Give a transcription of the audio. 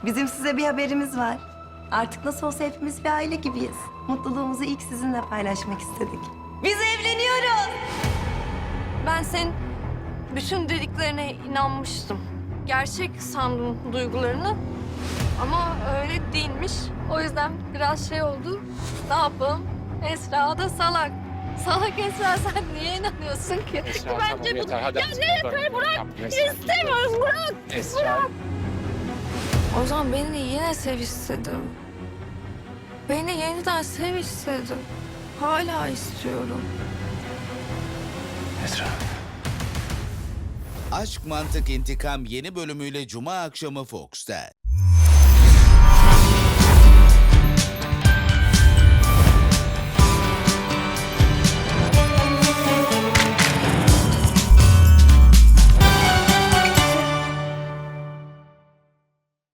Bizim size bir haberimiz var. Artık nasıl olsa hepimiz bir aile gibiyiz. Mutluluğumuzu ilk sizinle paylaşmak istedik. Biz evleniyoruz. Ben senin bütün dediklerine inanmıştım. Gerçek sandım duygularını. Ama öyle değilmiş. O yüzden biraz şey oldu. Ne yapalım? Esra da salak. Salak Esra, sen niye inanıyorsun ki? Esra, Bence tamam, bu... yeter, hadi Ya artık ne dur. yeter? Bırak! Tamam, Esra, İstemiyorum, bırak! Esra. O zaman beni yine sev istedim. Beni yeniden sev istedim. Hala istiyorum. Esra. Aşk Mantık İntikam yeni bölümüyle Cuma akşamı Fox'ta.